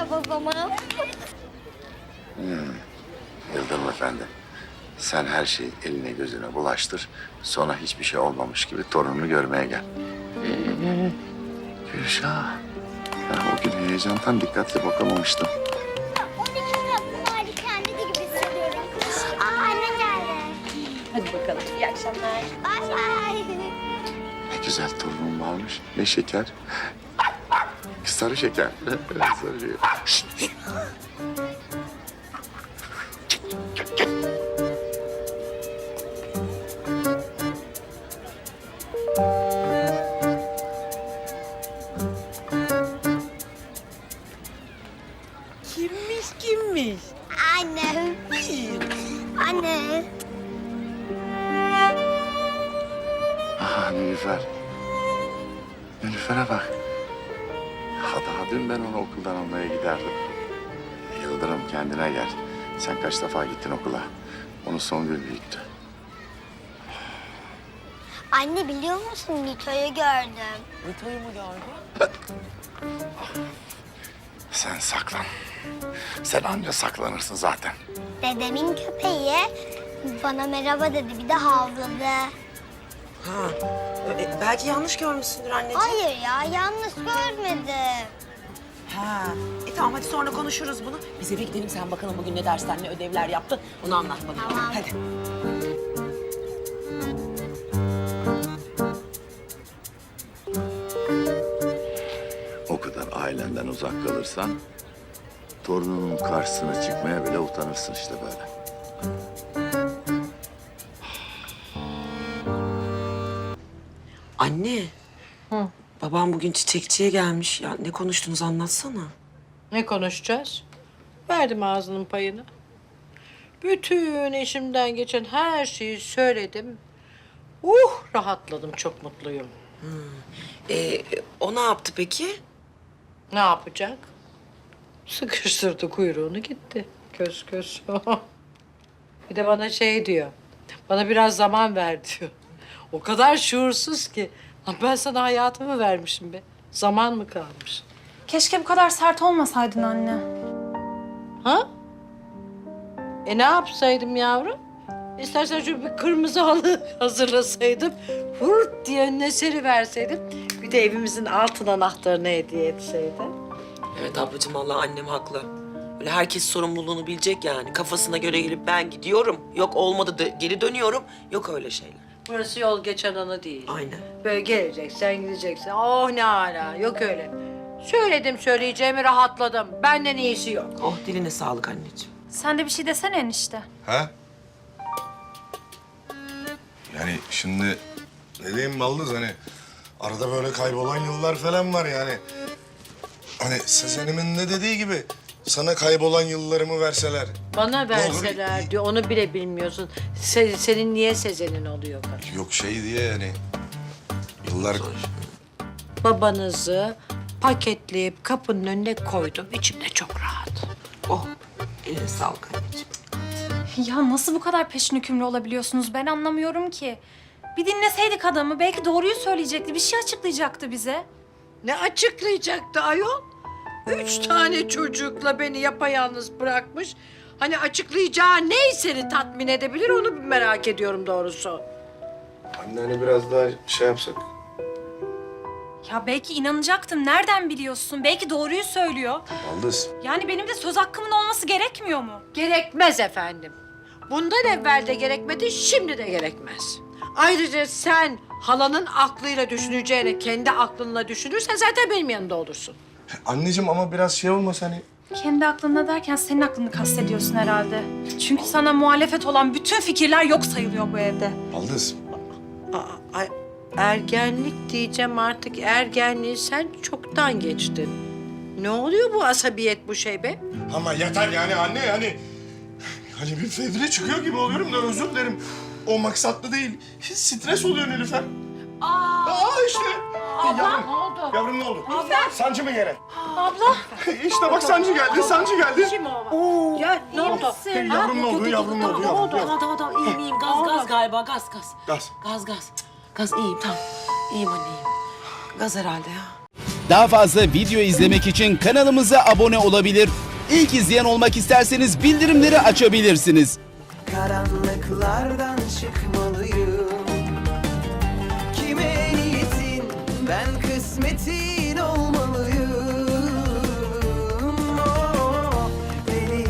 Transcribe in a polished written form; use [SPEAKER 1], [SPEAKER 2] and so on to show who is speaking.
[SPEAKER 1] o zaman.
[SPEAKER 2] Yıldırım Efendi, sen her şeyi eline gözüne bulaştır. Sonra hiçbir şey olmamış gibi torununu görmeye gel. Gülşah, ben o gün heyecandan dikkatli bakamamıştım.
[SPEAKER 1] 12 Kasım hali kendisi gibi hissediyorum. Anne geldi.
[SPEAKER 3] Hadi bakalım. İyi akşamlar.
[SPEAKER 1] Bay bay.
[SPEAKER 2] Ne güzel torunum varmış. Ne şeker. Sarı şeker. Sarı şeker. Şşt.
[SPEAKER 3] Kimmiş?
[SPEAKER 1] Anne. Anne.
[SPEAKER 2] Aha Nilüfer. Nilüfer'e bak. Daha dün ben onu okuldan almaya giderdim. Yıldırım kendine gel. Sen kaç defa gittin okula? Onu Songül büyüttü.
[SPEAKER 1] Anne biliyor musun Nito'yu gördüm.
[SPEAKER 3] Nito'yu mu gördün?
[SPEAKER 2] Sen saklan. Sen anca saklanırsın zaten.
[SPEAKER 1] Dedemin köpeği bana merhaba dedi, bir de havladı.
[SPEAKER 3] Ha. Belki yanlış görmüşsündür anneciğim.
[SPEAKER 1] Hayır ya, yanlış görmedim.
[SPEAKER 3] Ha. Tamam hadi sonra konuşuruz bunu. Biz eve gidelim sen bakalım bugün ne dersler ne ödevler yaptın. Onu anlat bana.
[SPEAKER 1] Tamam.
[SPEAKER 3] Hadi.
[SPEAKER 2] O kadar ailenden uzak kalırsan... ...torununun karşısına çıkmaya bile utanırsın işte böyle.
[SPEAKER 3] Anne. Babam bugün çiçekçiye gelmiş. Ya ne konuştunuz anlatsana.
[SPEAKER 4] Ne konuşacağız? Verdim ağzının payını. Bütün eşimden geçen her şeyi söyledim. Rahatladım, çok mutluyum.
[SPEAKER 3] O ne yaptı peki?
[SPEAKER 4] Ne yapacak? Sıkıştırdı kuyruğunu gitti. Kös kös. Bir de bana şey diyor. Bana biraz zaman ver diyor. O kadar şuursuz ki. Lan ben sana hayatımı vermişim be. Zaman mı kalmış?
[SPEAKER 5] Keşke bu kadar sert olmasaydın anne.
[SPEAKER 4] Ha? Ne yapsaydım yavrum? İstersen şu bir kırmızı halı hazırlasaydım. Hırt diye önüne seriverseydim. Bir de evimizin altın anahtarını hediye etseydim.
[SPEAKER 3] Evet ablacığım vallahi annem haklı. Öyle herkes sorumluluğunu bilecek yani. Kafasına göre gelip ben gidiyorum. Yok olmadı da geri dönüyorum. Yok öyle şeyler.
[SPEAKER 4] Burası yol geçen ana değil.
[SPEAKER 3] Aynen.
[SPEAKER 4] Böyle geleceksen gideceksin. Oh ne hala, yok öyle. Söyledim söyleyeceğimi, rahatladım. Benden iyisi yok.
[SPEAKER 3] Oh diline sağlık anneciğim.
[SPEAKER 5] Sen de bir şey desene enişte.
[SPEAKER 6] Ha? Yani şimdi ne diyeyim Baldız hani arada böyle kaybolan yıllar falan var yani. Hani Sezen'imin ne dediği gibi sana kaybolan yıllarımı verseler.
[SPEAKER 4] Bana
[SPEAKER 6] olur?
[SPEAKER 4] verseler diyor, onu bile bilmiyorsun. Senin niye Sezen'in oluyor bana?
[SPEAKER 6] Yok şey diye yani yıllar...
[SPEAKER 4] Babanızı paketleyip kapının önüne koydum. İçimde çok rahat.
[SPEAKER 3] Oh eline sağlık anneciğim.
[SPEAKER 5] Ya nasıl bu kadar peşin hükümlü olabiliyorsunuz ben anlamıyorum ki. Bir dinleseydik adamı belki doğruyu söyleyecekti, bir şey açıklayacaktı bize.
[SPEAKER 4] Ne açıklayacaktı ayol? 3 tane çocukla beni yapayalnız bırakmış. Hani açıklayacağı ne seni tatmin edebilir onu merak ediyorum doğrusu.
[SPEAKER 6] Anne hani biraz daha şey yapsak.
[SPEAKER 5] Ya belki inanacaktım, nereden biliyorsun? Belki doğruyu söylüyor.
[SPEAKER 6] Baldız.
[SPEAKER 5] Yani benim de söz hakkımın olması gerekmiyor mu?
[SPEAKER 4] Gerekmez efendim. Bundan evvel de gerekmedi, şimdi de gerekmez. Ayrıca sen halanın aklıyla düşüneceğine kendi aklınla düşünürsen zaten benim yanında olursun.
[SPEAKER 6] Anneciğim ama biraz şey olmasa hani...
[SPEAKER 5] Kendi aklında derken senin aklını kastediyorsun herhalde. Çünkü sana muhalefet olan bütün fikirler yok sayılıyor bu evde.
[SPEAKER 6] Baldız.
[SPEAKER 4] Aa, ergenlik diyeceğim artık. Ergenliği sen çoktan geçtin. Ne oluyor bu asabiyet bu şey be?
[SPEAKER 6] Ama yeter yani anne yani... Hani bir fevre çıkıyor gibi oluyorum da özür dilerim. O maksatlı değil. Stres oluyor Nilüfer. İşte. Yavrum,
[SPEAKER 4] Ne oldu?
[SPEAKER 6] yavrum ne oldu? Sancı mı gene?
[SPEAKER 5] Abla.
[SPEAKER 6] İşte bak sancı geldi, sancı geldi.
[SPEAKER 4] Kim o? Ya ne oldu?
[SPEAKER 6] Yavrum ne oldu, yavrum ne oldu? Yavrum.
[SPEAKER 3] Tamam iyiyim gaz galiba gaz.
[SPEAKER 6] Gaz.
[SPEAKER 3] Gaz iyiyim tamam. İyiyim anne iyiyim. Gaz herhalde ya.
[SPEAKER 7] Daha fazla video izlemek için kanalımıza abone olabilir. İlk izleyen olmak isterseniz bildirimleri açabilirsiniz.
[SPEAKER 8] Karanlıklardan çıkmalıyım.